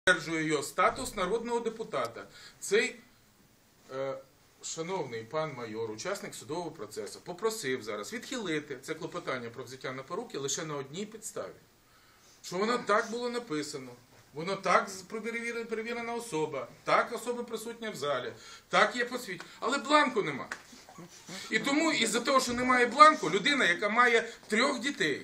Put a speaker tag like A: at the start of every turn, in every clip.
A: підтверджує його статус народного депутата. Цей шановний пан майор, учасник судового процесу, попросив зараз відхилити це клопотання про взяття на поруки лише на одній підставі. Що воно так було написано, воно так перевірена особа, так особа присутня в залі, так є посвідчення, але бланку нема. І тому, із-за того, що немає бланку, людина, яка має 3 дітей,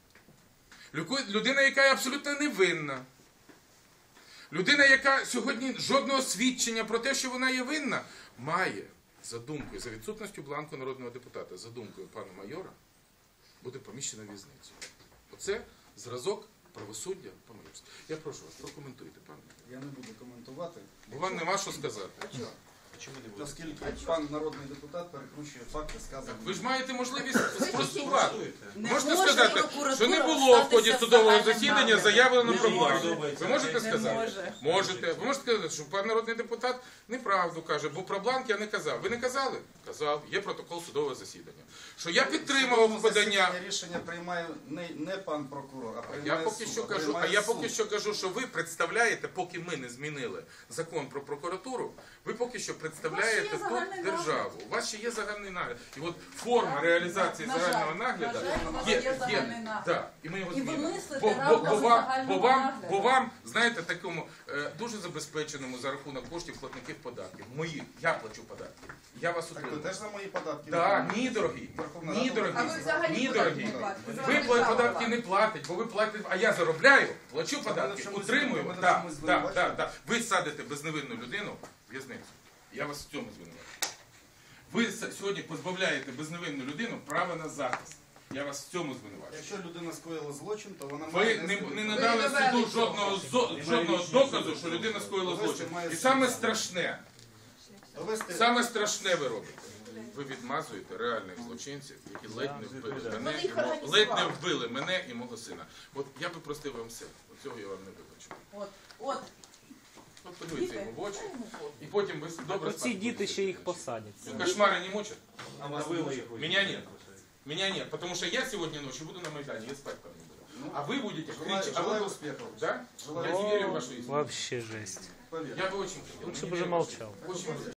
A: людина, яка є абсолютно невинна, людина, яка сьогодні жодного свідчення про те, що вона є винна, має, за думкою, за відсутністю бланку народного депутата, за думкою пана майора, буде поміщена в в'язницю. Оце зразок правосуддя по-майорськи. Я прошу вас, прокоментуйте, пане.
B: Я не буду коментувати.
A: Бо вам нема що сказати.
B: А чого? Оскільки пан народний депутат перекручує факти, сказані.
A: Ви ж маєте можливість спростувати.
C: Не
A: Можете
C: може
A: сказати,
C: прокуратура
A: що не було в ході
C: встатися
A: судового
C: загальним
A: засідання
C: наглядом.
A: заявлено
C: Не
A: про
C: може.
A: бланк. Ви можете
C: Не
A: сказати?
C: може.
A: Можете. Ви можете сказати, що пан народний депутат неправду каже, бо про бланк я не казав. Ви не казали? Казав. Є протокол судового засідання. Що я підтримував подання.
B: Рішення приймає не пан прокурор, а приймає
A: Я поки
B: суд.
A: що кажу, поки що кажу, що ви представляєте, поки ми не змінили закон про прокуратуру, ви поки що представляєте тут державу. У вас ще є загальний нагляд. І от форма реалізації загального нагляду є. Да, і ми його
C: І ви
A: змінимо.
C: мислите равно за загального нагляду.
A: Бо вам, знаєте, такому дуже забезпеченому за рахунок коштів платників податків. Моїх, я плачу податки. Я вас
B: Так ви
A: утримую.
B: теж за мої податки?
A: Так, ні, дорогі.
B: Верховна
A: Ні,
B: Рада
A: дорогі.
C: А ви взагалі
A: Ні,
C: податки
A: дорогі.
C: не платите.
A: Ви податки не платите, бо ви платите, а я заробляю, плачу податки,
B: чомусь
A: утримую.
B: мене в
A: Так,
B: чомусь
A: так,
B: звинувачуєте?
A: так. Ви садите безневинну людину в в'язницю. Я вас в цьому звинувачую. Ви сьогодні позбавляєте безневинну людину права на захист. Я вас в цьому звинувачую.
B: Якщо людина скоїла злочин, то вона
A: Ви
B: має
A: не надали суду жодного доказу, що людина скоїла злочин. І саме страшне ви робите. Ви відмазуєте реальних злочинців, які ледь не вбили мене і мого сина. От я би простив вам все. От цього я вам не вибачу.
C: От.
A: От подивіться йому в очі, і потім ви добре
D: Ці діти ще їх посадять.
A: Кошмари не мучат?
B: А вас не мучить?
A: Меня нет. Меня нет, потому что я сегодня ночью буду на Майдане, я спать там не буду. А вы будете кричать.
B: Желаю успехов.
A: Да?
B: Желаю
A: Я не верю в вашу истину.
D: Вообще жесть.
B: Поверь.
A: Я бы очень хотел.
D: Лучше бы уже молчал.
A: Очень